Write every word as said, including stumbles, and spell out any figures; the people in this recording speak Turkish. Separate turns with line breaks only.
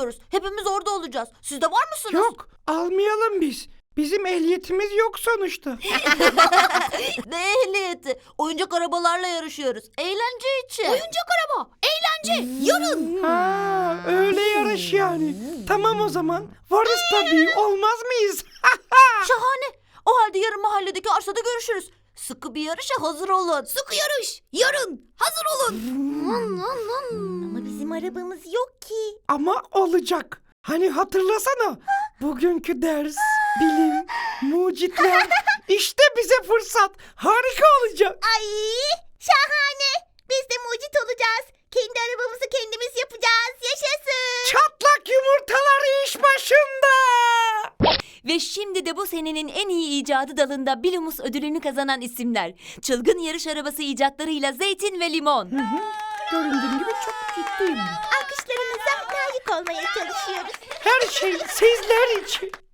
alıyoruz. Hepimiz orada olacağız. Siz de var mısınız?
Yok, almayalım biz. Bizim ehliyetimiz yok sonuçta.
Ne ehliyeti? Oyuncak arabalarla yarışıyoruz. Eğlence için.
Oyuncak araba, eğlence, yarın.
Ha, öyle yarış yani. Tamam o zaman. Varız tabii. Olmaz mıyız?
Şahane. O halde yarın mahalledeki arsada görüşürüz. Sıkı bir yarışa hazır olun.
Sıkı yarış, yarın. Hazır olun.
Ama bizim arabamız yok ki.
Ama olacak. Hani hatırlasana. Bugünkü ders, bilim, mucitler. İşte bize fırsat. Harika olacak.
Ay, şahane. Biz de mucit olacağız. Kendi arabamızı kendimiz yapacağız. Yaşasın.
Çatlak yumurtalar iş başında.
Ve şimdi de bu senenin en iyi icadı dalında Bilumus ödülünü kazanan isimler. Çılgın yarış arabası icatlarıyla Zeytin ve Limon.
Göründüğüm gibi çok ciddiyim.
Alkışlarınıza layık olmaya çalışıyoruz.
Her şey sizler için.